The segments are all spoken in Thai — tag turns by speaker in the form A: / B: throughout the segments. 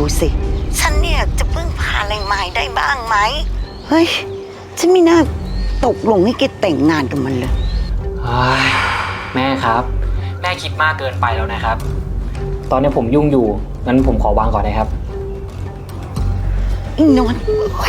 A: สิฉันเนี่ยจะพึ่งพาอะไรไม้ได้บ้างไหมเฮ้ยฉันไม่น่าตกลงให้แกแต่งงานกับมันเลย
B: แม่ครับแม่คิดมากเกินไปแล้วนะครับตอนนี้ผมยุ่งอยู่งั้นผมขอวางก่อนนะครับ
A: อีนอน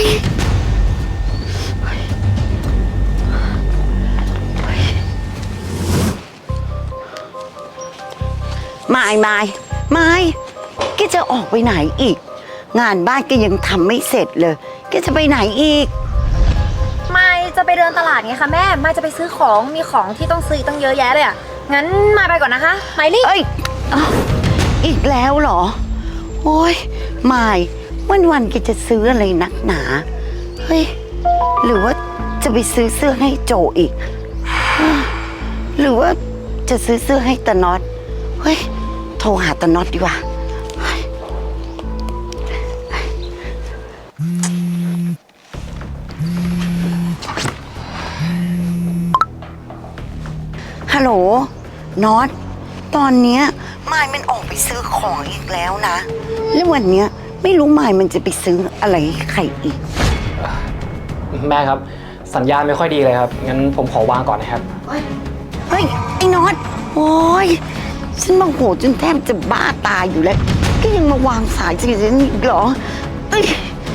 A: ไม่แกจะออกไปไหนอีกงานบ้านแกยังทำไม่เสร็จเลยแกจะไปไหนอีก
C: ไม่จะไปเดินตลาดไงคะแม่ไม่จะไปซื้อของมีของที่ต้องซื้อตั้งเยอะแยะเลยอ่ะงั้นมาไปก่อนนะคะไมลี่
A: เอ้ยอีกแล้วเหรอโอ้ยไม่วันแกจะซื้ออะไรนักหนาเฮ้ยหรือว่าจะไปซื้อเสื้อให้โจอีกหรือว่าจะซื้อเสื้อให้ตาน็อตเฮ้ยโทรหาตาน็อตดีกว่าฮัลโหลน็อตตอนเนี้ยมายมันออกไปซื้อของอีกแล้วนะแล้ววันเนี้ยไม่รู้มายมันจะไปซื้ออะไรให้ใครอีก
B: แม่ครับสัญญาณไม่ค่อยดีเลยครับงั้นผมขอวางก่อนนะครับ
A: เฮ้ยไอ้น็อตโอ้ยฉันโมโหจนแทบจะบ้าตายอยู่แล้วก็ยังมาวางสายฉันอีกเหรอเอ้ย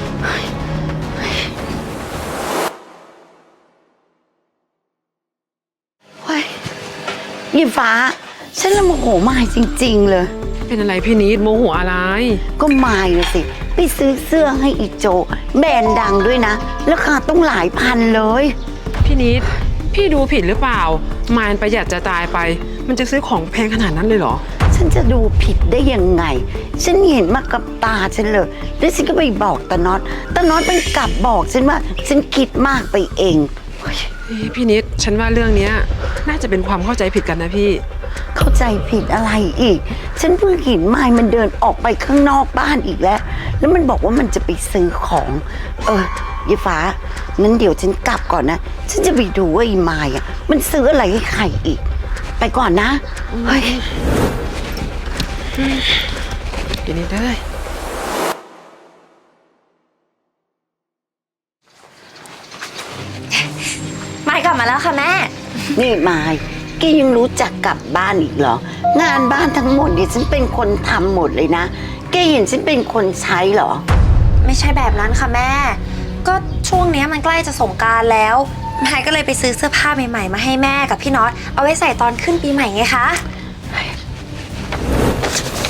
A: ยี่ฟ้าฉันละโมโหมายจริงๆเลย
D: เป็นอะไรพี่นิดโมโหอะไร
A: ก็มายนะสิไปซื้อเสื้อให้อีโจแบรนด์ดังด้วยนะราคาต้องหลายพันเลย
D: พี่นิดพี่ดูผิดหรือเปล่ามายประหยัดจะตายไปมันจะซื้อของแพงขนาดนั้นเลยเหรอ
A: ฉันจะดูผิดได้ยังไงฉันเห็นมากับตาฉันเลยแล้วฉันก็ไปบอกตาน็อตมันกลับบอกฉันว่าฉันคิดมากไปเอง
D: พี่นิดฉันว่าเรื่องนี้น่าจะเป็นความเข้าใจผิดกันนะพี่
A: เข้าใจผิดอะไรอีกฉันเพิ่งเห็นมายมันเดินออกไปข้างนอกบ้านอีกแล้วมันบอกว่ามันจะไปซื้อของยายฟ้างั้นเดี๋ยวฉันกลับก่อนนะฉันจะไปดูว่าไอ้มายอ่ะมันซื้ออะไรให้ใครอีกไปก่อนนะเฮ้ย
D: พี่นิดได้
C: ไม่กลับมาแล้วค่ะแม่
A: นี่มายแกยังรู้จักกลับบ้านอีกเหรองานบ้านทั้งหมดเนี่ยฉันเป็นคนทำหมดเลยนะแกเห็นฉันเป็นคนใช้เหรอ
C: ไม่ใช่แบบนั้นค่ะแม่ก็ช่วงนี้มันใกล้จะสงกรานต์แล้วมายก็เลยไปซื้อเสื้อผ้าใหม่ๆมาให้แม่กับพี่น็อตเอาไว้ใส่ตอนขึ้นปีใหม่ไงคะ